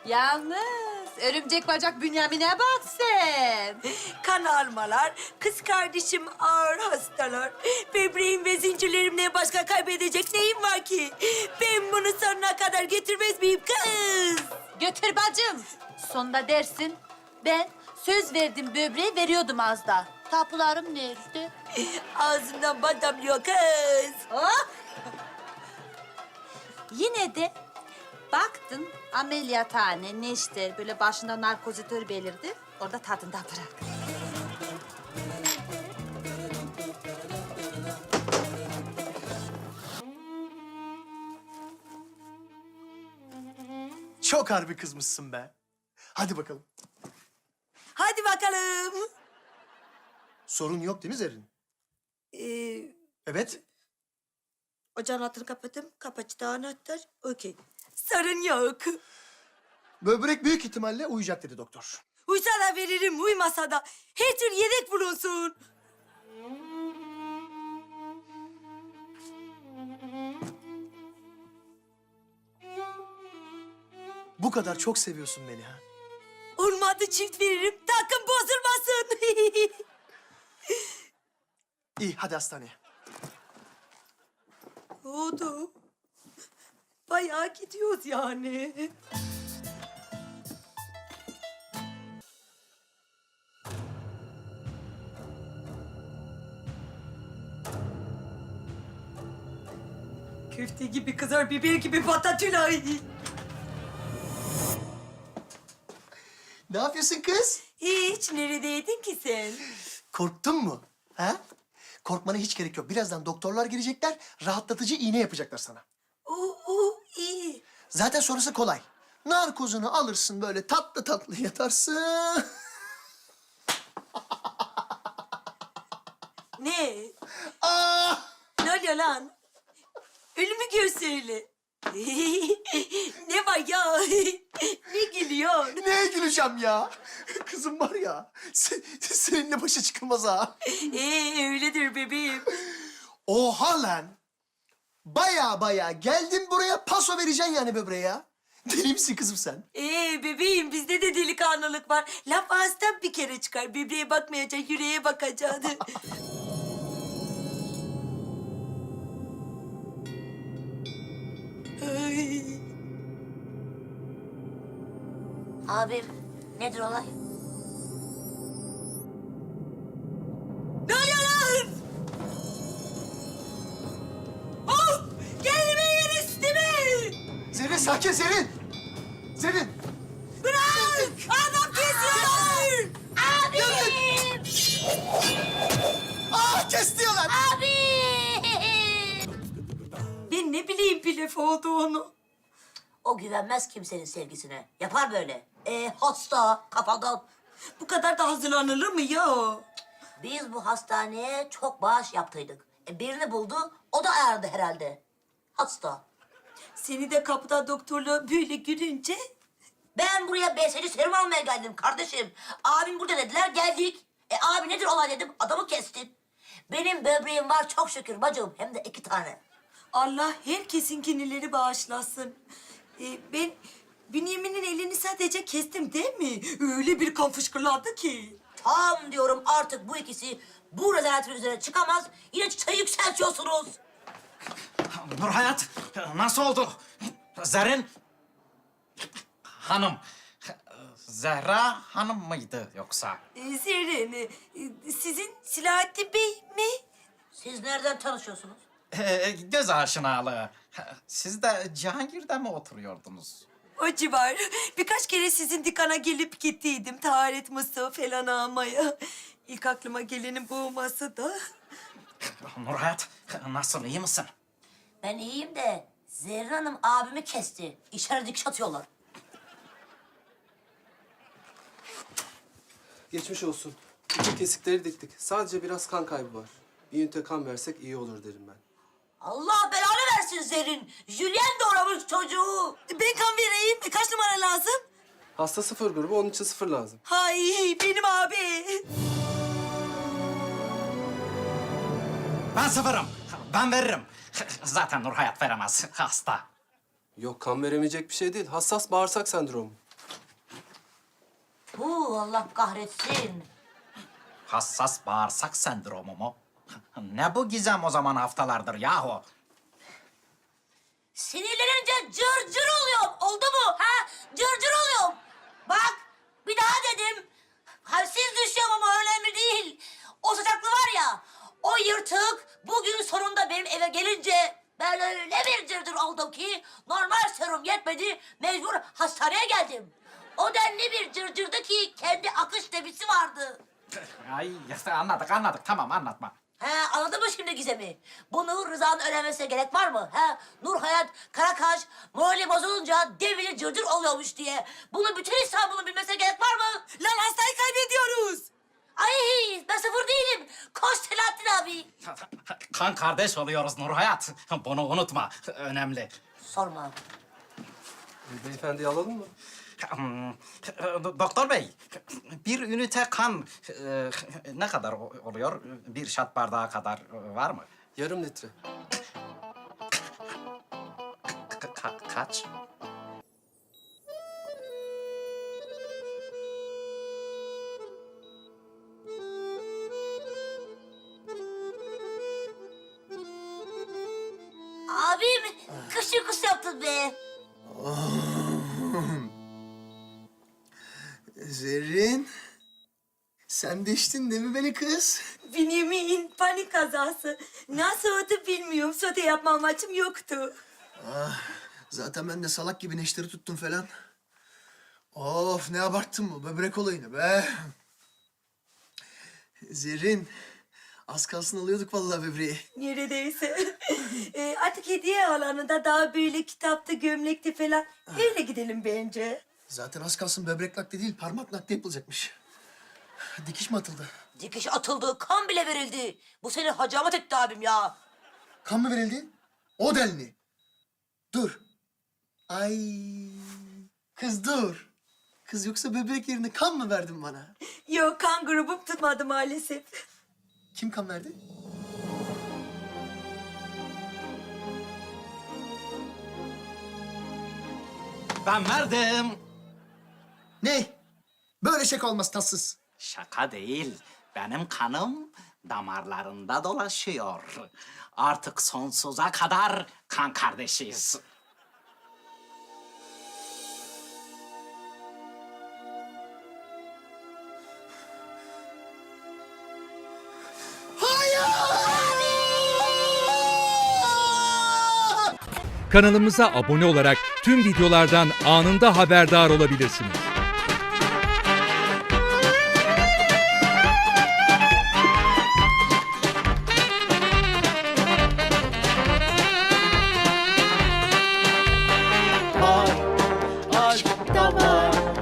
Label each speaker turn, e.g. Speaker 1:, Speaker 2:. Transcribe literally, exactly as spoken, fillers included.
Speaker 1: Yalnız örümcek bacak Bünyamin'e bak sen.
Speaker 2: Kan almalar, kız kardeşim ağır hastalar. Böbreğim ve zincirlerimle başka kaybedecek neyim var ki? Ben bunu sonuna kadar getirmez miyim kız?
Speaker 1: Götür bacım. Sonunda dersin. Ben söz verdim böbreği veriyordum az da. Tapularım nerede?
Speaker 2: Ağzından bal damlıyor kız.
Speaker 1: Oh! Yine de baktın ameliyathane, neşter, böyle başında narkozitör belirdi. Orada tadında bırak.
Speaker 3: Çok harbi kızmışsın be. Hadi bakalım.
Speaker 2: Hadi bakalım.
Speaker 3: Sorun yok değil mi Zerrin?
Speaker 2: Ee,
Speaker 3: Evet.
Speaker 2: ocağın altını kapattım. Kapatıcı anahtar. Okey. Sorun yok.
Speaker 3: Böbrek büyük ihtimalle uyuyacak dedi doktor.
Speaker 2: Uysa da veririm, uymasa da. Her tür yedek bulunsun.
Speaker 3: Bu kadar çok seviyorsun beni ha.
Speaker 2: Olmadı çift veririm. Takım bozulmasın.
Speaker 3: İyi hadi hastaneye.
Speaker 2: Oldu. Bayağı gidiyoruz yani. Köfte gibi kızar, biber gibi patatülay.
Speaker 3: Ne yapıyorsun kız?
Speaker 2: Hiç, neredeydin ki sen?
Speaker 3: Korktun mu? Ha? Korkmana hiç gerek yok. Birazdan doktorlar gelecekler, rahatlatıcı iğne yapacaklar sana.
Speaker 2: Oo, oo, iyi.
Speaker 3: Zaten sonrası kolay. Narkozunu alırsın böyle tatlı tatlı yatarsın.
Speaker 2: Ne?
Speaker 3: Aa!
Speaker 2: Ne oluyor lan? Ölümü gör söyle. Ne var ya? Ne gülüyor?
Speaker 3: Neye güleceğim ya? Kızım var ya, se- seninle başa çıkılmaz ha.
Speaker 2: Ee, öyledir bebeğim.
Speaker 3: Oha lan! Baya baya geldin buraya paso vereceksin yani böbreğe ya. Deli misin kızım sen?
Speaker 2: Ee bebeğim, bizde de delikanlılık var. Laf ağızdan bir kere çıkar. Bebeğe bakmayacak, yüreğe bakacaksın. Ay.
Speaker 4: Abim, nedir olay?
Speaker 2: Ne oluyor lan? Oh! Gelmeyin üstüme!
Speaker 3: Zerrin sakin Zerrin! Zerrin!
Speaker 2: Bırak! Adam kesiyorlar!
Speaker 4: Abim!
Speaker 3: Ah kestiyorlar!
Speaker 4: Abim!
Speaker 2: Ben ne bileyim pilef olduğunu.
Speaker 4: O güvenmez kimsenin sevgisine. Yapar böyle. Ee, hasta, kafadan.
Speaker 2: Bu kadar da hazırlanılır mı ya?
Speaker 4: Biz bu hastaneye çok bağış yaptıydık. E, birini buldu, o da ayardı herhalde. Hasta.
Speaker 2: Seni de kapıda doktorla böyle gülünce...
Speaker 4: Ben buraya B S C serum almaya geldim kardeşim. Abim burada dediler, geldik. E abi nedir olay dedim, adamı kestin. Benim böbreğim var çok şükür bacım, hem de iki tane.
Speaker 2: Allah herkesin kinileri bağışlasın. Ee, ben Bünyamin'in elini sadece kestim değil mi? Öyle bir kan fışkırladı ki.
Speaker 4: Tam diyorum artık bu ikisi bu rezaletin üzerine çıkamaz. Yine çıtayı yükseltiyorsunuz.
Speaker 5: Nurhayat, nasıl oldu? Zerrin Hanım, Zehra Hanım mıydı yoksa?
Speaker 2: Ee, Zerrin, e, sizin Silahattin Bey mi?
Speaker 4: Siz nereden tanışıyorsunuz?
Speaker 5: Ee, göz aşinalığı. Siz de Cihangir'de mi oturuyordunuz?
Speaker 2: O civar. Birkaç kere sizin dükkana gelip gittiydim. Taharet mısığı falan almaya. İlk aklıma gelenin bu olması da...
Speaker 5: Nurhayat, nasıl, iyi misin?
Speaker 4: Ben iyiyim de Zerrin Hanım abimi kesti. İçeri dikiş atıyorlar.
Speaker 6: Geçmiş olsun. Bütün kesikleri diktik. Sadece biraz kan kaybı var. Bir ünite kan versek iyi olur derim ben.
Speaker 4: Allah belanı versin Zerrin. Julien doğramış çocuğu.
Speaker 2: Ben kan vereyim. Kaç numara lazım?
Speaker 6: Hasta sıfır grubu, onun için sıfır lazım.
Speaker 2: Hay benim abi.
Speaker 5: Ben sıfırım. Ben veririm. Zaten Nurhayat veremez. Hasta.
Speaker 6: Yok, kan veremeyecek bir şey değil. Hassas bağırsak sendromu.
Speaker 4: Puh, Allah kahretsin.
Speaker 5: Hassas bağırsak sendromu mu? Ne bu gizem o zaman haftalardır yahu?
Speaker 4: Sinirlenince cır cır oluyorum. Oldu mu? Ha? Cır cır oluyorum. Bak, bir daha dedim. Halsiz düşüyorum ama önemli değil. O saçaklı var ya, o yırtık bugün sonunda benim eve gelince ben öyle bir cırcır oldum ki normal serum yetmedi, mecbur hastaneye geldim. O denli bir cırcırdı ki kendi akış debisi vardı.
Speaker 5: Ay anladık anladık tamam anlatma.
Speaker 4: He, anladın mı şimdi Gizem'i? Bunu Rıza'nın öğrenmesine gerek var mı? He, Nur Hayat Karakaş morali bozulunca devili cırcır oluyormuş diye. Bunu bütün İstanbul'un bilmesine gerek var mı?
Speaker 2: Lan hastayı kaybediyoruz.
Speaker 4: Ay, ben sıfır değilim. Koş Selahattin abi.
Speaker 5: Kan kardeş oluyoruz Nur Hayat. Bunu unutma. Önemli.
Speaker 4: Sorma.
Speaker 6: Beyefendiyi alalım mı?
Speaker 5: Hmm, Doktor bey, bir ünite kan e, ne kadar o- oluyor? Bir şat bardağı kadar e, var mı?
Speaker 6: Yarım litre.
Speaker 5: Ka- ka- kaç?
Speaker 4: Abim kış uykusu yaptın be.
Speaker 3: Zerrin. Sen de içtin değil mi beni kız?
Speaker 2: Bünyamin panik kazası. Nasıl oldu bilmiyorum. Sote yapma amacım yoktu.
Speaker 3: Zaten ben de salak gibi neşteri tuttum falan. Of ne abarttın bu böbrek olayını be. Zerrin. Az kalsın alıyorduk vallahi böbreği.
Speaker 2: Neredeyse. e, artık hediye alanında daha böyle kitaptı, gömlekti falan. Öyle gidelim bence.
Speaker 3: Zaten az kalsın böbrek nakli değil parmak nakli yapılacakmış. Dikiş mi atıldı?
Speaker 4: Dikiş atıldı, kan bile verildi. Bu seni hacamat etti abim ya.
Speaker 3: Kan mı verildi? O denli. Dur. Ay. Kız dur. Kız yoksa böbrek yerine kan mı verdin bana?
Speaker 2: Yok, kan grubum tutmadı maalesef.
Speaker 3: Kim kan verdi?
Speaker 5: Ben verdim.
Speaker 3: Ne? Böyle şaka olmaz tatsız.
Speaker 5: Şaka değil. Benim kanım damarlarında dolaşıyor. Artık sonsuza kadar kan kardeşiyiz.
Speaker 7: Kanalımıza abone olarak tüm videolardan anında haberdar olabilirsiniz.